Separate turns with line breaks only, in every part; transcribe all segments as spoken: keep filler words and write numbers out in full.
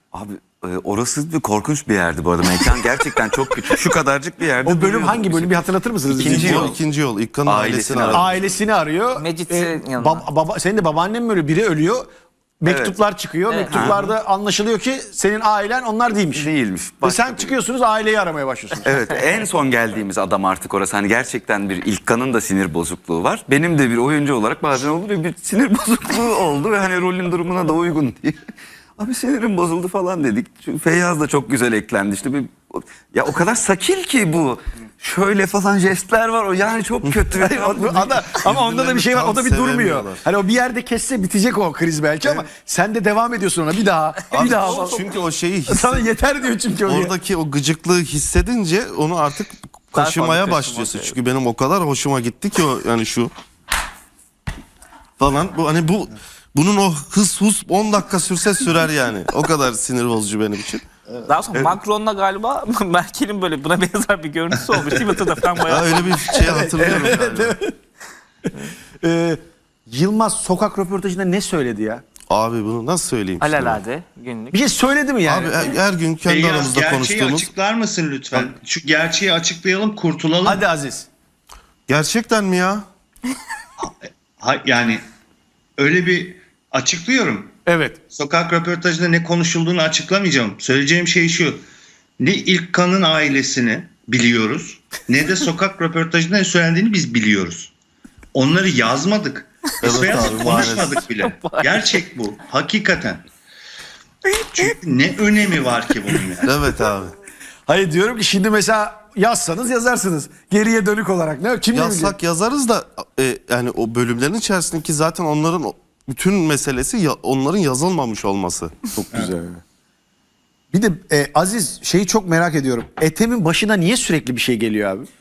Abi e, orası bir korkunç bir yerdi bu arada. Mekan gerçekten çok küçük. Şu kadarcık bir yerde.
O bölüm
duruyorduk
hangi
biz.
bölüm bir hatırlatır mısınız?
İkinci
Bizi?
yol.
İkinci yol. İlkan'ın
Ailesini
ailesini
aradı.
aradı.
Ailesini arıyor.
Mecit'in yanına.
baba, baba, senin de babaannen mi ölüyor? Biri ölüyor. Mektuplar çıkıyor.
Evet.
Mektuplarda anlaşılıyor ki senin ailen onlar değilmiş.
Değilmiş.
Ve
Başka
sen
bir-
çıkıyorsunuz aileyi aramaya başlıyorsunuz.
Evet, en son geldiğimiz adam artık orası. Hani gerçekten bir İlkan'ın da sinir bozukluğu var. Benim de bir oyuncu olarak bazen olur ya bir sinir bozukluğu oldu ve hani rolün durumuna da uygun diye. Abi sinirim bozuldu falan dedik. Çünkü Feyyaz da çok güzel eklendi işte. Bir, ya o kadar sakil ki bu. Şöyle falan jestler var o yani çok kötü.
Hayır, o- ada- ama onda da bir şey var. O da bir
Tam
durmuyor.
sevemiyorlar.
Hani o bir yerde kesse bitecek o kriz belki ama sen de devam ediyorsun ona bir daha.
Abi,
bir daha.
çünkü o şeyi hisse-
Sana yeter diyor çünkü o.
oradaki o gıcıklığı hissedince onu artık kaşımaya
fazla
başlıyorsun.
kaşımak,
Çünkü benim o kadar hoşuma gitti ki o yani şu falan bu hani bu bunun o hız hus on dakika sürse sürer yani. O kadar sinir bozucu benim için.
Daha sonra Macron'la galiba Merkel'in böyle buna benzer bir görüntüsü olmuş. Twitter'da falan
Ha,
bayağı.
öyle bir şey hatırlıyorum galiba.
Ee, Yılmaz sokak röportajında ne söyledi ya?
Abi bunu nasıl söyleyeyim? şimdi?
Alelade günlük.
Bir şey söyledi mi yani?
Abi her, her gün kendi
Feyyaz,
aramızda
gerçeği
konuştuğumuz.
açıklar mısın lütfen? Şu gerçeği açıklayalım, kurtulalım.
Hadi Aziz.
Gerçekten mi ya?
Ha- yani öyle bir açıklıyorum.
Evet.
Sokak röportajında ne konuşulduğunu açıklamayacağım. Söyleyeceğim şey şu. Ne İlkan'ın ailesini biliyoruz, ne de sokak röportajında ne söylendiğini biz biliyoruz. Onları yazmadık. Biz
Evet
Feyyaz'la
abi,
konuşmadık bile. Gerçek bu. Hakikaten. Çünkü ne önemi var ki bunun yani?
Evet abi.
Hayır diyorum ki şimdi mesela yazsanız yazarsınız. Geriye dönük olarak. Ne? Kim ne bilecek?
Yazsak yazarız da e, yani o bölümlerin içerisindeki zaten onların o- bütün meselesi ya, onların yazılmamış olması.
Çok güzel. Bir de e, Aziz şeyi çok merak ediyorum. Ethem'in başına niye sürekli bir şey geliyor abi?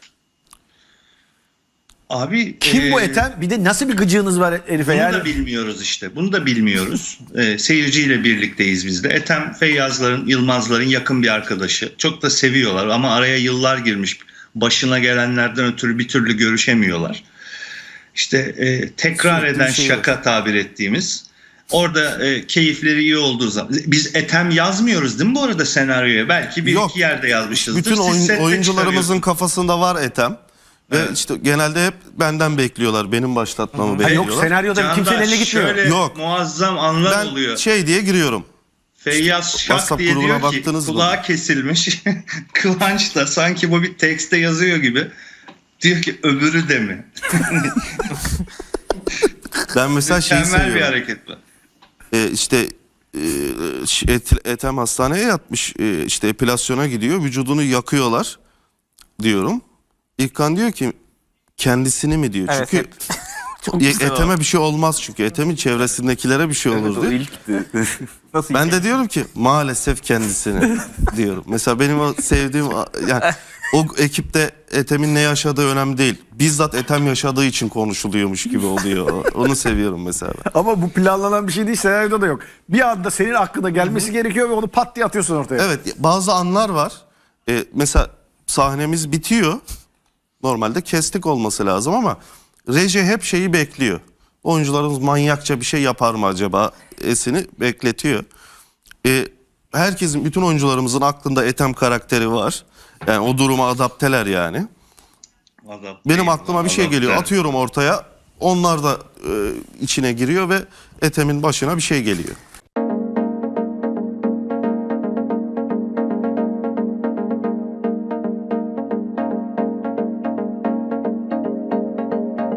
Abi
Kim bu
e,
Ethem? Bir de nasıl bir gıcığınız var herife
Bunu
yani?
da bilmiyoruz işte. Bunu da bilmiyoruz. Ee, seyirciyle birlikteyiz biz de. Ethem Feyyazların, Yılmazların yakın bir arkadaşı. Çok da seviyorlar ama araya yıllar girmiş. Başına gelenlerden ötürü bir türlü görüşemiyorlar. İşte e, tekrar
Sürekli
eden
bir şey
şaka tabir ettiğimiz. Orada e, keyifleri iyi olduğu zaman. Biz Ethem yazmıyoruz değil mi bu arada senaryoya? Belki bir
Yok.
iki yerde yazmışızdır.
Bütün
Siz
oyun-
sette
oyuncularımızın kafasında var Ethem. Ve
Evet.
işte genelde hep benden bekliyorlar. Benim başlatmamı
Ha,
bekliyorlar.
yok senaryoda
Candaş,
kimsenin eline gitmiyor.
şöyle
Yok.
muazzam anlar
Ben
oluyor.
şey diye giriyorum.
Feyyaz Şak
WhatsApp
diye
grubuna
diyor ki
baktınız mı?
kulağı kesilmiş. Kıvanç da sanki bu bir tekste yazıyor gibi. Diyor ki öbürü de mi?
Ben mesela şeyi
Mükemmel bir
seviyorum.
hareket bu.
Ee, işte e, Et- Ethem hastaneye yatmış. E, işte epilasyona gidiyor. Vücudunu yakıyorlar diyorum. İlkan diyor ki kendisini mi diyor.
Evet,
Çünkü
hep. Çok
e,
güzel o.
Etem'e bir şey olmaz çünkü. Etem'in çevresindekilere bir şey olur
Evet, o
diyor.
ilkti.
Nasıl
Ben
hikaye?
de diyorum ki maalesef kendisini diyorum. Mesela benim o sevdiğim yani o ekipte Ethem'in ne yaşadığı önemli değil. Bizzat Ethem yaşadığı için konuşuluyormuş gibi oluyor. Onu seviyorum mesela.
Ama bu planlanan bir şey değil, senaryoda da yok. Bir anda senin aklına gelmesi gerekiyor ve onu pat diye atıyorsun ortaya.
Evet, bazı anlar var. Ee, mesela sahnemiz bitiyor. Normalde kestik olması lazım ama reji hep şeyi bekliyor. Oyuncularımız manyakça bir şey yapar mı acaba esini bekletiyor. Ee, herkesin, bütün oyuncularımızın aklında Ethem karakteri var. Yani o duruma adapteler yani.
Adam-
Benim aklıma bir şey
Adam-
geliyor.
Evet.
Atıyorum ortaya. Onlar da e, içine giriyor ve Ethem'in başına bir şey geliyor.